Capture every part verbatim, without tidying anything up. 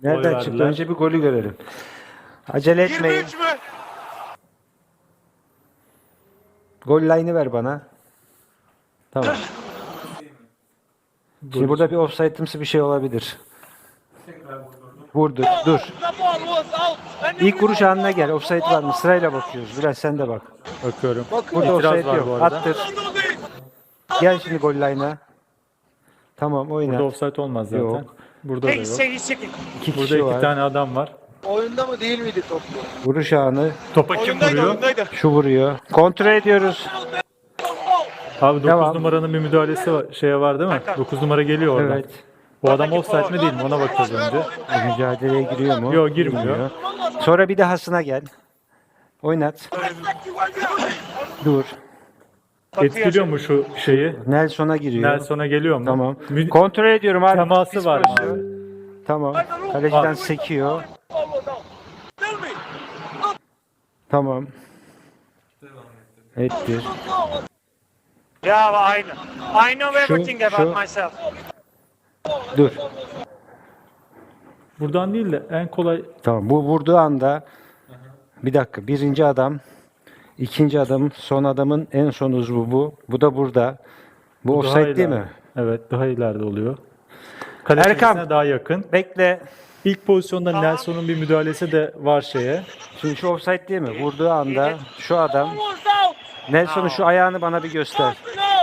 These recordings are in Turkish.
Nereden Gol çıktı? verdiler. Önce bir golü görelim. Acele etmeyin. yirmi üç mü? Gol line'ı ver bana. Tamam. Şimdi burada bir offside'ımsı bir şey olabilir. Vurdu. Dur. İlk vuruş anına gel. Offside var mı? Sırayla bakıyoruz. Biraz sen de bak. Bakıyorum. Burada İtiraz offside var yok. bu arada. Attır. Gel şimdi gol line'a. Tamam oyna. Burada offside olmaz zaten. Yok. Burada da yok. İki Burada kişi iki var. tane adam var. Oyunda mı değil miydi top? Vuruş anı. Topa kim Oyundaydı vuruyor? oyundaydı. Şu vuruyor. Kontrol ediyoruz. Abi dokuz Devam. numaranın bir müdahalesi var, şeye var değil mi? dokuz numara geliyor oradan. Evet. Bu adam offside mi değil mi? Ona bakacağız önce. Bu mücadeleye giriyor mu? Yok, girmiyor. Sonra bir dahasına gel. Oynat. Dur. Etkiliyor mu şu şeyi? Nelson'a giriyor. Nelson'a geliyor mu? Tamam. Mü- Kontrol ediyorum abi. Teması Biz var mı pozisyon- abi? Tamam. Kaleciden Var. sekiyor. Tamam. Ettir. Yeah, well, I know. I know Şu- everything about şu- myself. Dur. Buradan değil de en kolay Tamam. Bu vurduğu anda bir dakika. Birinci adam, ikinci adam, son adamın en son uzvu bu. Bu da burada. Bu daha offside değil ileride. mi? Evet, daha ileride oluyor. Kale Erkan. çizgisine daha yakın. Bekle. İlk pozisyonda Nelson'un bir müdahalesi de var şeye. Şimdi şu offside değil mi? Vurduğu anda şu adam Nelson'un şu ayağını bana bir göster.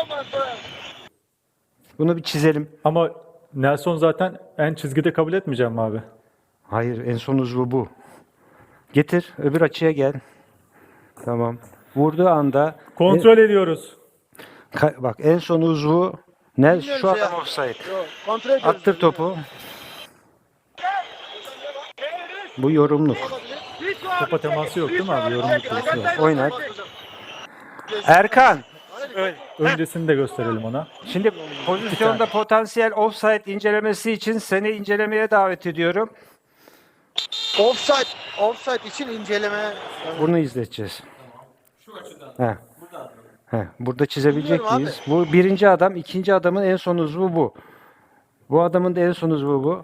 Bunu bir çizelim. Ama Nelson zaten en çizgide kabul etmeyeceğim abi. Hayır, en son uzvu bu. Getir, öbür açıya gel. Tamam. Vurduğu anda Kontrol ediyoruz. Ka- bak en son uzvu ne Bilmiyorum şu şey adam ya. offside. Yok, kontrol ediyoruz. Attır topu. Bu yorumluk. Topa teması yok değil mi abi? Yorum yok. Oynat. Erkan. Öncesini de gösterelim ona. Şimdi pozisyonda potansiyel offside incelemesi için seni incelemeye davet ediyorum. Offside, offside için inceleme. Bunu izleteceğiz. Şu açıdan. He. He. Burada çizebilecek Bilmiyorum abi. miyiz? Bu birinci adam, ikinci adamın en son uzvu bu. Bu adamın da en son uzvu bu.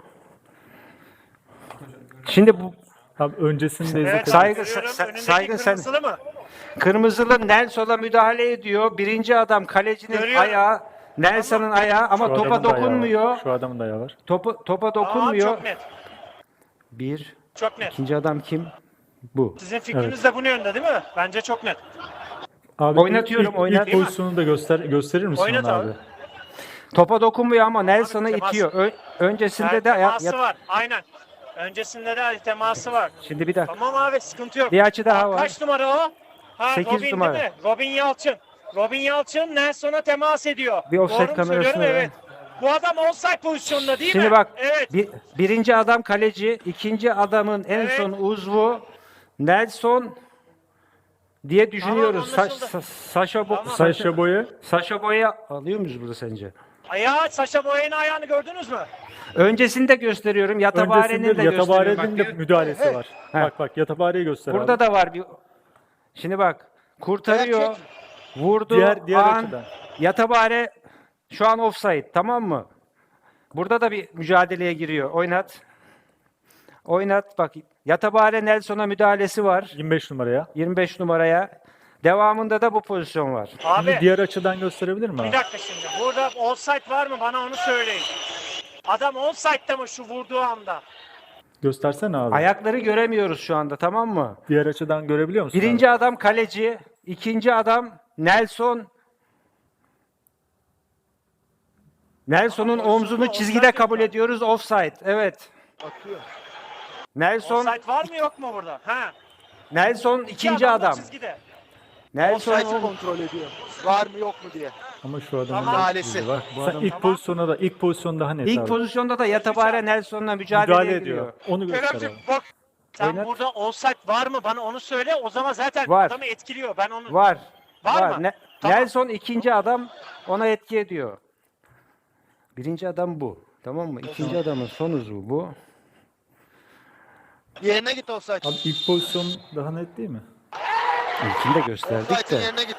Şimdi bu Abi öncesini de Evet, izletelim. Saygı- görüyorum. sa- Önündeki saygın sen- kırmızılı mı? kırmızılı Nelson'a müdahale ediyor. Birinci adam kalecinin Görüyorum. ayağı, Nelson'ın ayağı ama Şu topa adamın da ayağı var. dokunmuyor. Şu adamın da ayağı var. Topa, topa Tamam, dokunmuyor. çok net. Bir. Çok net. İkinci adam kim? Bu. Sizin fikriniz de bunun yönde değil mi? Bence çok net. Abi Oynatıyorum, ilk, ilk, oynat. ilk pozisyonu da göster gösterir misin Oynat ona abi. abi? Topa dokunmuyor ama Nelson'ı temas. itiyor. Ö- öncesinde Yani de ya- teması ya- var. Aynen. Öncesinde de teması var. Şimdi bir dakika. Tamam abi, sıkıntı yok. Bir açı daha var. Kaç numara o? Ha, Sekiz Robin numara. değil mi? Robin Yalçın. Robin Yalçın Nelson'a temas ediyor. Bir offside Doğru mu kamerasına söylüyorum? ver. Evet. Bu adam offside pozisyonunda değil Şimdi mi? bak. Evet. Bir, birinci adam kaleci, ikinci adamın en Evet. son uzvu Nelson diye düşünüyoruz. Tamam, Sa- anlaşıldı. Sa- Saşa Bo- Tamam. Saşa boyu Saşa Boy'a alıyor muyuz burada sence? Ayağı, Saşa Boyan'ın ayağını gördünüz mü? Öncesini de gösteriyorum. Yatabare'nin de öncesinde gösteriyorum. Yatabare'nin Bak, de müdahalesi var. He. Bak bak Yatabare'yi göster burada abi. da var bir. Şimdi bak. Kurtarıyor. Ayak Vurdu. Diğer- diğer an, açıdan. Yatabare şu an offside. Tamam mı? Burada da bir mücadeleye giriyor. Oynat. Oynat. Bak. Yatabare Nelson'a müdahalesi var. yirmi beş numaraya. yirmi beş numaraya. Devamında da bu pozisyon var. Abi Şimdi diğer açıdan gösterebilir mi bir abi? dakika şimdi. Burada offside var mı? Bana onu söyleyin. Adam offside'da mı şu vurduğu anda? Göstersene abi. Ayakları göremiyoruz şu anda, tamam mı? Diğer açıdan görebiliyor musun? Birinci adam kaleci, ikinci adam Nelson. Nelson'un omzunu çizgide kabul ediyoruz. Offside. Evet. Atıyor. Nelson Offside var mı yok mu burada? Ha. Nelson İki ikinci adam da adam. çizgide. Nelson Offside'ı kontrol ediyor. Var mı yok mu diye. Ama şu adamın Tamam. Müdahalesi. Bak, bu Sen adam ilk pozisyona da ilk pozisyon daha net ilk abi. pozisyonda da Yatabare Nelson'la mücadeleye müdahale giriyor. ediyor. Onu göster Keremciğim abi. bak. Sen Oynat. burada offside var mı? Bana onu söyle. O zaman zaten Var. adamı etkiliyor. Ben onu... Var. Var mı? Ne- Tamam. Nelson ikinci adam, ona etki ediyor. Birinci adam bu. Tamam mı? İkinci adamın son uzvu bu. Yerine git offside. Abi ilk pozisyon daha net değil mi? İlkini de gösterdik Offside'ın de. yerine git.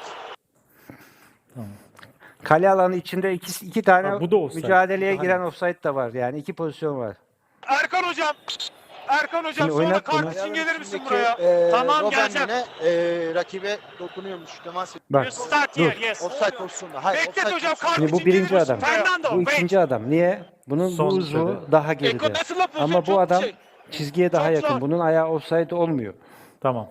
Kale alanı içinde iki, iki tane Ha, bu da offside. mücadeleye Daha giren offside de var. Yani iki pozisyon var. Erkan hocam. Erkan hocam Şimdi sonra oynat kart bunu. için gelir misin Üstündeki, buraya? e, Tamam, Robben geleceğim. yine, e, rakibe dokunuyormuş. Temas ediyor. Bak You start dur. here, yes. Offside pozisyonunda. Hayır, Beklet offside hocam, pozisyonunda. kart Şimdi bu için birinci gelir misin? adam. Fernando, Bu wait. ikinci adam. Niye? Bunun Son bu uzvu dedi. daha Eko geride. nasıl la pozisyon? Ama bu Çok adam şey. çizgiye daha Çok yakın. zor. Bunun ayağı offside olmuyor. Tamam.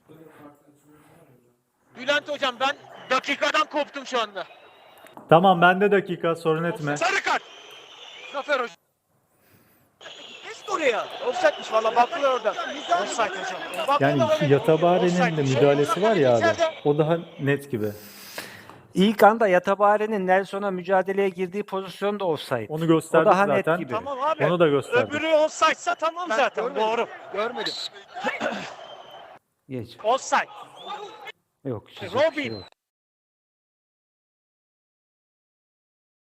Bülent hocam ben dakikadan koptum şu anda. Tamam bende dakika sorun etme. Sarı kart. Zafer hocam. Geç oraya. Offside'miş valla baktılar oradan. Offside hocam. Yani Yatabare'nin de müdahalesi var ya abi. O daha net gibi. İlk anda Yatabare'nin Nelson'a mücadeleye girdiği pozisyon da offside. Onu O gösterdik daha net zaten. gibi. Tamam abi. Onu da gösterdik. Öbürü offside'sa tamam Ben zaten. görmedim. Doğru. Görmedim. Geç. Offside. Yok. çizecek bir Robin. şey yok.